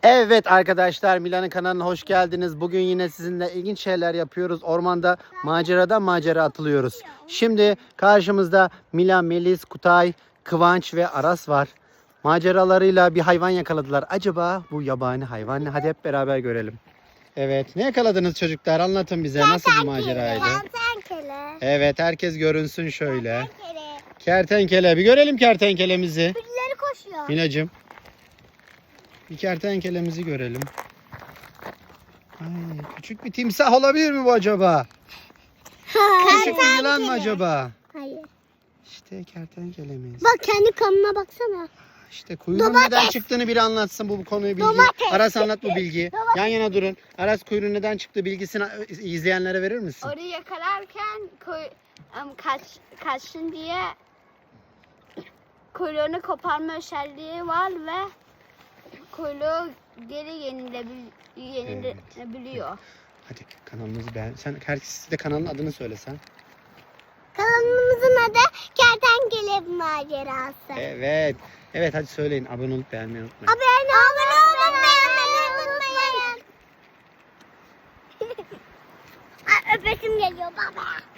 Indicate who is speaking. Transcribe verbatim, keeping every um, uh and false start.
Speaker 1: Evet arkadaşlar, Milan'ın kanalına hoş geldiniz. Bugün yine sizinle ilginç şeyler yapıyoruz. Ormanda maceradan macera atılıyoruz. Şimdi karşımızda Milan, Melis, Kutay, Kıvanç ve Aras var. Maceralarıyla bir hayvan yakaladılar. Acaba bu yabani hayvan ne? Hadi hep beraber görelim. Evet, ne yakaladınız çocuklar? Anlatın bize, nasıl bir maceraydı?
Speaker 2: Kertenkele.
Speaker 1: Evet, herkes görünsün şöyle.
Speaker 2: Kertenkele.
Speaker 1: Kertenkele, bir görelim kertenkelemizi.
Speaker 2: Birileri koşuyor.
Speaker 1: Minacığım. Bir kertenkelemizi görelim. Ay, küçük bir timsah olabilir mi bu acaba? Küçük bir yılan mı acaba?
Speaker 2: Hayır.
Speaker 1: İşte kertenkelemiz.
Speaker 2: Bak kendi kanına baksana.
Speaker 1: İşte kuyruğun
Speaker 2: Domates.
Speaker 1: neden çıktığını biri anlatsın bu, bu konuyu bilgi.
Speaker 2: Domates.
Speaker 1: Aras anlat bu bilgiyi.
Speaker 2: Domates.
Speaker 1: Yan yana durun. Aras kuyruğun neden çıktığı bilgisini izleyenlere verir misin?
Speaker 3: Orayı yakalarken koy, um, kaç, kaçsın diye kuyruğunu koparma özelliği var ve kuyruğu geri yenilebil, yenilebiliyor.
Speaker 1: Hadi kanalımızı beğen. Sen herkes de kanalın adını söylesen.
Speaker 2: Kanalımızın adı Kertenkele Macerası.
Speaker 1: Evet. Evet hadi söyleyin. Abone olup beğenmeyi unutmayın.
Speaker 2: Abone olmayı unutmayın. Ay, öpesim geliyor baba.